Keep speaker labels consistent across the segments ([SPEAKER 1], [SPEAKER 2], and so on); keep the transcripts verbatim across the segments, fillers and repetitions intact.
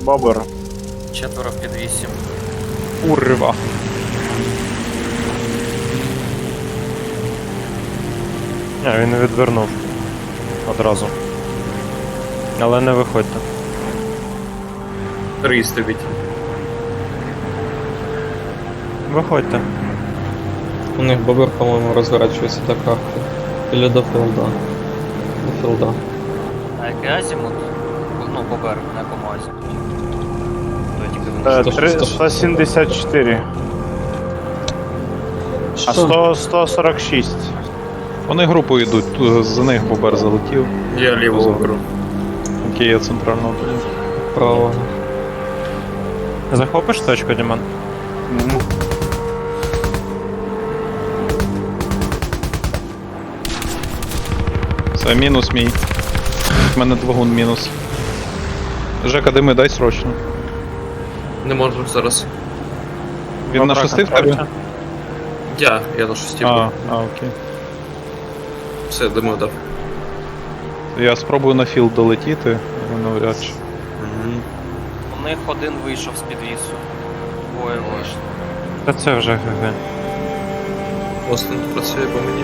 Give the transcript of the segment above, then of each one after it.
[SPEAKER 1] Бобер.
[SPEAKER 2] Четверо під вісім.
[SPEAKER 1] Урва. А, він відвернув. Одразу. Але не виходьте.
[SPEAKER 3] Три стоїть.
[SPEAKER 1] Виходьте.
[SPEAKER 4] У них бобер, по-моєму, розворачується до карти. Или до філда. До філда.
[SPEAKER 2] А який азімут? Ну, Бобер, на якому азімуті? То тільки він
[SPEAKER 1] Е,
[SPEAKER 4] сто-
[SPEAKER 1] три-
[SPEAKER 4] сто-
[SPEAKER 1] сто сімдесят чотири. А сто, сто сорок шість.
[SPEAKER 5] Вони групою йдуть, ту- за них Бобер залетів.
[SPEAKER 3] Я лівого беру.
[SPEAKER 5] Окей, я центрального тоді.
[SPEAKER 4] Право.
[SPEAKER 1] Захопиш точку, Діман?
[SPEAKER 5] Це мінус мій. У мене двигун мінус. Жека, дими, дай срочно.
[SPEAKER 3] Не можу зараз.
[SPEAKER 5] Він на шести в тебе?
[SPEAKER 3] Я, я на шості.
[SPEAKER 5] А, а, окей.
[SPEAKER 3] Все, димо дав.
[SPEAKER 5] Я спробую на філд долетіти, але навряд чи.
[SPEAKER 3] Угу.
[SPEAKER 2] У них один вийшов з підвісу. Двоє вийшли.
[SPEAKER 1] Та це вже ГГ.
[SPEAKER 3] Остин працює по мені.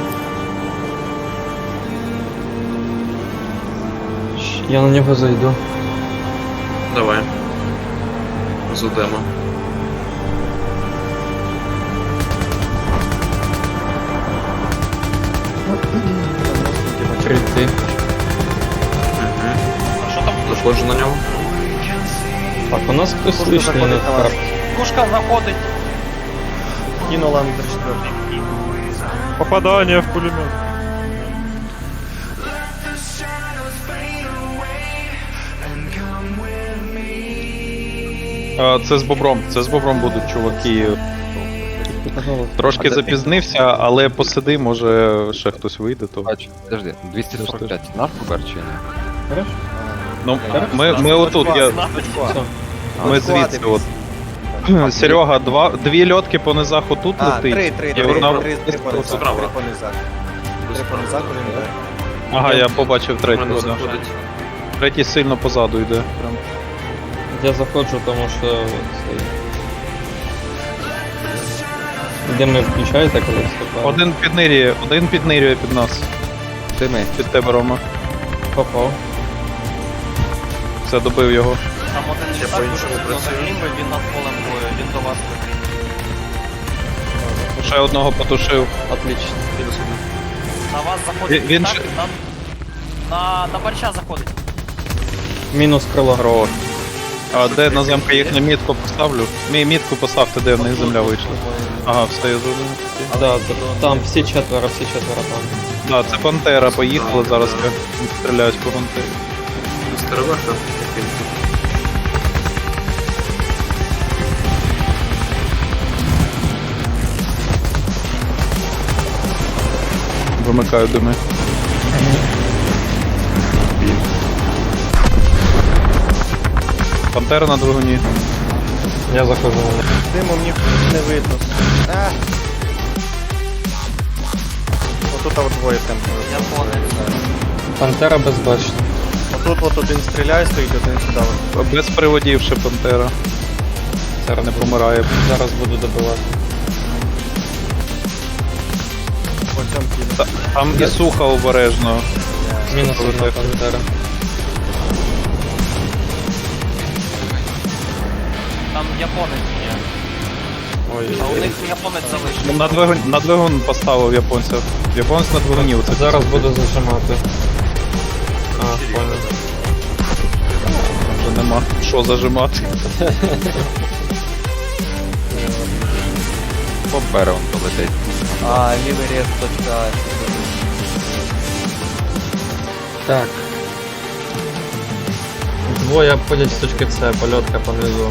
[SPEAKER 4] Я на нього зайду.
[SPEAKER 3] Давай. Задемо.
[SPEAKER 4] Прийти.
[SPEAKER 3] Угу.
[SPEAKER 2] А що там?
[SPEAKER 3] Заходжу на нього.
[SPEAKER 4] Так, у нас хтось лишній на карті.
[SPEAKER 2] Пушка заходить.
[SPEAKER 1] Кинула на три четвертый. Попадание в пулемет.
[SPEAKER 5] А, це з Бобром, це з Бобром будуть чуваки. Трошки запізнився, але посиди, може ще хтось вийде, то.
[SPEAKER 6] Бачу, подожди, двісті сорок п'ять наш Бобер чи ні?
[SPEAKER 4] Хорошо?
[SPEAKER 5] Ну, ми, ми отут, я,
[SPEAKER 4] Все.
[SPEAKER 5] ми звідси от. Серега, два, дві льотки по низах отут
[SPEAKER 7] А,
[SPEAKER 5] летить.
[SPEAKER 7] три, три,
[SPEAKER 5] і
[SPEAKER 7] три,
[SPEAKER 5] одна-
[SPEAKER 7] три, три по низах,
[SPEAKER 3] Справа.
[SPEAKER 7] три по низах. Три по низах, один йде.
[SPEAKER 5] Ага, я побачив
[SPEAKER 3] У
[SPEAKER 5] третю.
[SPEAKER 3] мене
[SPEAKER 5] Да.
[SPEAKER 3] заходить.
[SPEAKER 5] Третій сильно позаду йде. Прям.
[SPEAKER 4] Я заходжу, тому що цей... Де ми включаєте, коли вступаємо?
[SPEAKER 5] Один піднирює, один піднирює під нас.
[SPEAKER 6] Дими.
[SPEAKER 5] Під тебе, Рома.
[SPEAKER 4] Попав.
[SPEAKER 5] Все, добив його.
[SPEAKER 2] Там один
[SPEAKER 3] Я
[SPEAKER 2] літак дуже
[SPEAKER 3] по-іншому
[SPEAKER 2] сильно
[SPEAKER 3] працюю.
[SPEAKER 2] загрімив, він над полем бою, він до вас летить.
[SPEAKER 5] Ще одного потушив.
[SPEAKER 4] Отлично.
[SPEAKER 3] Мінус один.
[SPEAKER 2] На вас заходить
[SPEAKER 5] Він- він
[SPEAKER 2] літак,
[SPEAKER 5] ще-
[SPEAKER 2] на, на, на борща заходить.
[SPEAKER 4] Мінус крило.
[SPEAKER 5] Хорош. А де на замка їхню мітку поставлю? Мій мітку поставте, де в них земля вийшла. Ага, встаю з один.
[SPEAKER 4] Да, т- там всі четверо, всі четверо там.
[SPEAKER 5] Да, це Пантера, поїхали, зараз я стріляюсь по Пантері.
[SPEAKER 3] Стеревеха.
[SPEAKER 5] Вимикаю дими. Пантера на двигуні.
[SPEAKER 4] Я заходжу.
[SPEAKER 7] Диму мені не видно. А! Отут от двоє там.
[SPEAKER 2] Японець.
[SPEAKER 4] Пантера безбачна.
[SPEAKER 7] Отут от один стріляє, стоїть, один сюди. от.
[SPEAKER 5] Без приводів ще Пантера. Зараз не помирає.
[SPEAKER 4] Зараз буду добивати.
[SPEAKER 7] По цьому кіно.
[SPEAKER 5] Та- Там і суха обережно.
[SPEAKER 4] Мінус одна пантера.
[SPEAKER 2] Там японець є.
[SPEAKER 4] Ой,
[SPEAKER 2] А у них японець залишив.
[SPEAKER 5] На двигун, на двигун поставив японця. Японець на двигуні. Оце
[SPEAKER 4] зараз буду зажимати. А, понял.
[SPEAKER 5] вже нема що зажимати.
[SPEAKER 6] Бобер он полетить.
[SPEAKER 7] А, лівий рез, точка.
[SPEAKER 4] Так. Двоє обходять з точки С, польотка понизу.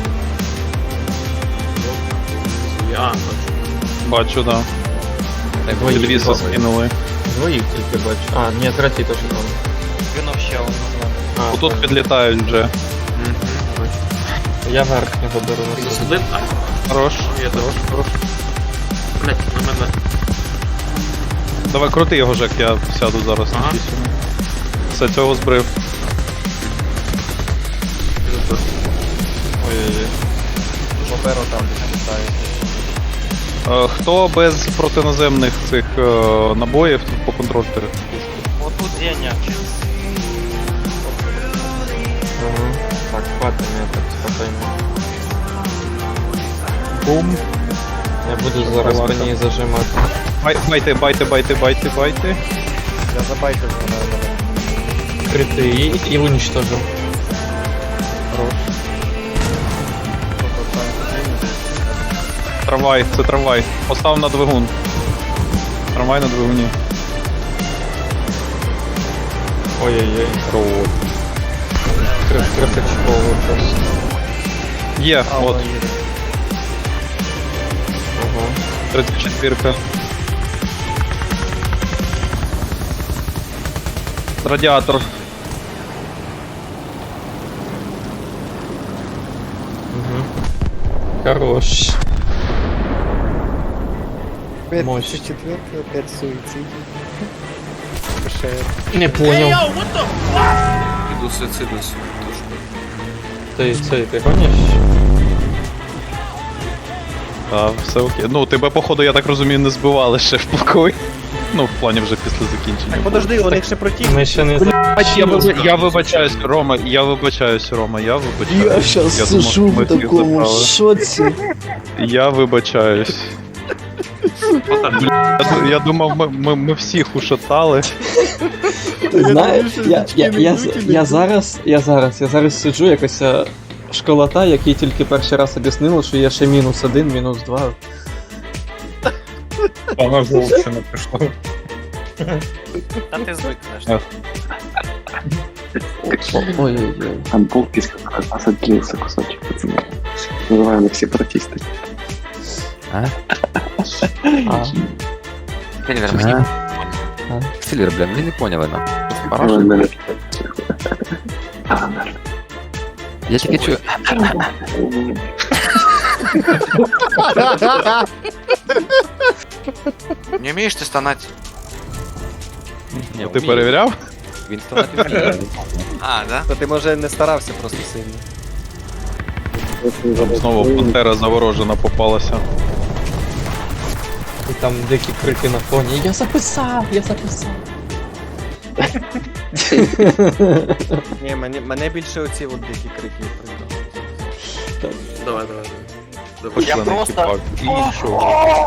[SPEAKER 3] Я.
[SPEAKER 5] Бачу, да.
[SPEAKER 4] Двоїх
[SPEAKER 5] Підвіса
[SPEAKER 4] тільки.
[SPEAKER 5] скинули.
[SPEAKER 4] Двоїх тільки бачу. А, ні, третій точно там.
[SPEAKER 2] Він ще один.
[SPEAKER 4] А,
[SPEAKER 5] Отут
[SPEAKER 4] понял.
[SPEAKER 5] підлітають вже.
[SPEAKER 4] Я верхнього беру на
[SPEAKER 3] Мінус
[SPEAKER 4] собі.
[SPEAKER 3] один. А,
[SPEAKER 5] Хорош.
[SPEAKER 3] я хорош, хорош. Блять, на мене.
[SPEAKER 5] Давай крути його, Жек, я сяду зараз на
[SPEAKER 3] Ага.
[SPEAKER 5] шість. Все, цього збрив.
[SPEAKER 3] Мінус два.
[SPEAKER 7] Перо там десь літає.
[SPEAKER 5] Е, Хто без протиноземних цих е, набоїв по контроль-тери?
[SPEAKER 2] Отут Деня.
[SPEAKER 4] Ага. Так, хватит меня так спокойно.
[SPEAKER 5] Бум.
[SPEAKER 4] Я буду зараз по ней зажимать.
[SPEAKER 5] Бай- Байте, байте, байте, байте, байте.
[SPEAKER 7] Я забайтив вона мене.
[SPEAKER 4] Криты и, и уничтожил.
[SPEAKER 7] Тобто там один.
[SPEAKER 5] Трамвай, це трамвай. Постав на двигун. Трамвай на двигуні.
[SPEAKER 4] Ой-ой-ой. Красочковый просто.
[SPEAKER 5] Є,
[SPEAKER 7] А,
[SPEAKER 5] от,
[SPEAKER 7] вона їде.
[SPEAKER 4] Ага.
[SPEAKER 5] тридцять четвірка. Радіатор.
[SPEAKER 4] Угу. Хорош. Мощь.
[SPEAKER 7] четвертый, опять суицид.
[SPEAKER 4] Не понял.
[SPEAKER 3] Іду суїцидуюсь.
[SPEAKER 4] Ты, ты, ты гонишь?
[SPEAKER 5] А, все окей. Ну, тебе, походу, я так розумію, не збивали ще в покої. Ну, в плані вже після закінчення.
[SPEAKER 7] Так, подожди, у них ще против.
[SPEAKER 4] Мы еще не за...
[SPEAKER 5] Я, вибач- я вибачаюсь, Рома, я вибачаюсь, Рома, я вибачаюсь.
[SPEAKER 8] Я щас
[SPEAKER 5] Я
[SPEAKER 8] сижу
[SPEAKER 5] думав, ми
[SPEAKER 8] в
[SPEAKER 5] всіх
[SPEAKER 8] такому
[SPEAKER 5] забрали.
[SPEAKER 8] шоці.
[SPEAKER 5] Я вибачаюсь. Бля, я, я думав, ми, ми, ми всіх ушатали.
[SPEAKER 8] Ти знаєш, я, я, я, я, зараз, я зараз, я зараз сиджу, якась е, школота, який тільки перший раз об'яснила, що є ще мінус один, мінус два.
[SPEAKER 1] Вона вовче не прийшла.
[SPEAKER 2] Та ти звикнеш.
[SPEAKER 8] Ой-ой-ой.
[SPEAKER 9] Там полписка у нас отделился кусочек, пацаны. Называем их сепаратисты.
[SPEAKER 6] А?
[SPEAKER 8] А,
[SPEAKER 6] Сильвер,
[SPEAKER 8] А?
[SPEAKER 6] мені...
[SPEAKER 8] А?
[SPEAKER 6] Сильвер, бля, ми не поняли нам.
[SPEAKER 9] Ну,
[SPEAKER 6] Парашут?
[SPEAKER 9] наверное. А, наверное.
[SPEAKER 6] Я тільки чую...
[SPEAKER 3] Не вмієш ти стонати?
[SPEAKER 6] Ні,
[SPEAKER 5] Ти перевіряв?
[SPEAKER 6] Він стонати вміє.
[SPEAKER 3] А, да?
[SPEAKER 7] То ти, може, не старався просто сильно.
[SPEAKER 5] Знову пантера заворожена попалася.
[SPEAKER 4] И там дикі крики на фоні. Я записав, я записав.
[SPEAKER 7] Ні, мене, мене більше оці от дикі крики придали.
[SPEAKER 3] Давай, давай.
[SPEAKER 2] Я
[SPEAKER 5] Пошли на
[SPEAKER 2] просто-
[SPEAKER 5] хіпак. І нічого.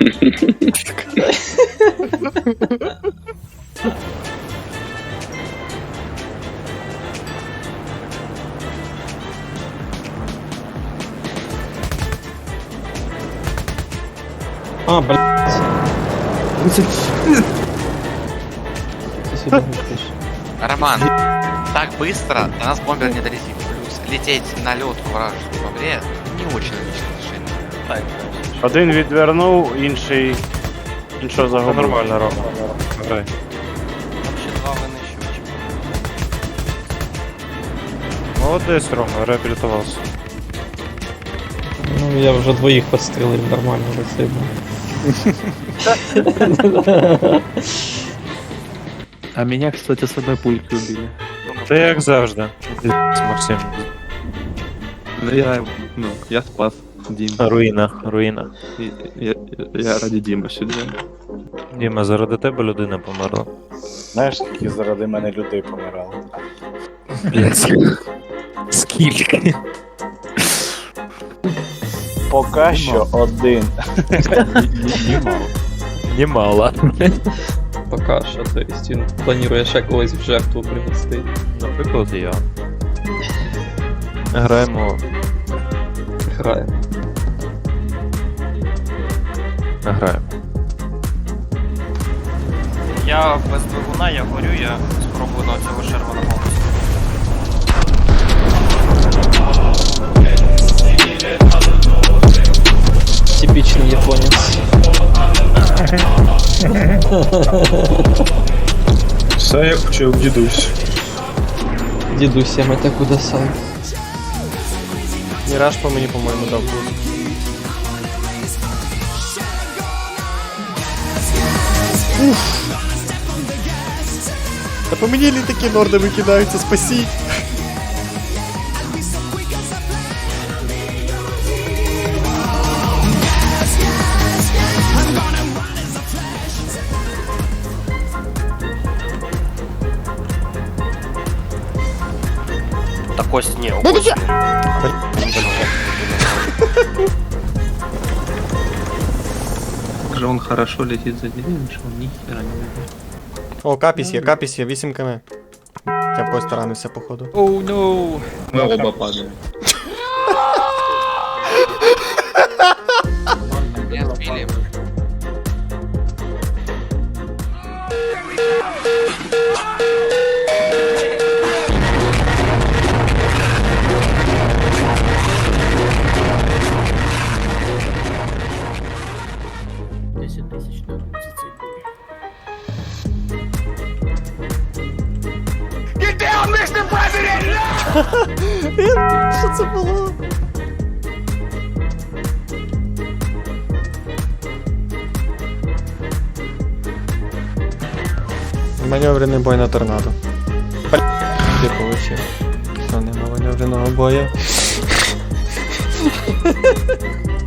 [SPEAKER 4] А, блядь. Ты сюда летишь.
[SPEAKER 3] Роман, так быстро до нас бомбер не долетит. Плюс лететь на лёдку вражескую во время не очень логичное решение.
[SPEAKER 2] Так.
[SPEAKER 1] Один відвернув, інший. Іншого загубив. Це нормально, Рома. Грай.
[SPEAKER 2] Там ще два винищувачі.
[SPEAKER 1] Молодець, Рома, реабілітувався.
[SPEAKER 4] Ну, я вже двоїх підстрілив нормально, спасибо.
[SPEAKER 8] А меня, кстати, с одной пульки убили.
[SPEAKER 1] Ти як завжди. Максим.
[SPEAKER 8] Ну я, ну, я спас Диму.
[SPEAKER 1] Руїна, руїна.
[SPEAKER 8] Я, я, я ради Димы сидел.
[SPEAKER 1] Діма, заради тебе людина померла.
[SPEAKER 10] Знаєш, скільки заради мене людей помирало?
[SPEAKER 1] Скільки?
[SPEAKER 10] Поки що один.
[SPEAKER 1] Немало.
[SPEAKER 4] Пока що, то есть він планує ще когось в жертву принести.
[SPEAKER 1] Наприклад, я. Граємо.
[SPEAKER 4] Граємо.
[SPEAKER 1] Граємо.
[SPEAKER 2] Я без двигуна, я горю, я спробую на цього Шермана Голмса.
[SPEAKER 4] Типічний японець.
[SPEAKER 1] Все як вчив дідусь.
[SPEAKER 4] Дідусь, я мете куди сам.
[SPEAKER 7] Міраж по мені, по-моєму, дав плюс. Та по мені літаки норди викидаються, спасіть!
[SPEAKER 2] Так ось, ні, ось.
[SPEAKER 4] Же он хорошо летит за деревьями, что он ни хера не видит.
[SPEAKER 7] О, капіс є, капіс є, вісім км. Я б постаранився, походу.
[SPEAKER 2] Оу, ноу.
[SPEAKER 4] Мы оба падаем.
[SPEAKER 3] Не сбили.
[SPEAKER 4] десять тысяч на зацепили.
[SPEAKER 7] Що це було? Маневрений бой на торнадо. Ти получив. Що, нема маневреного бою?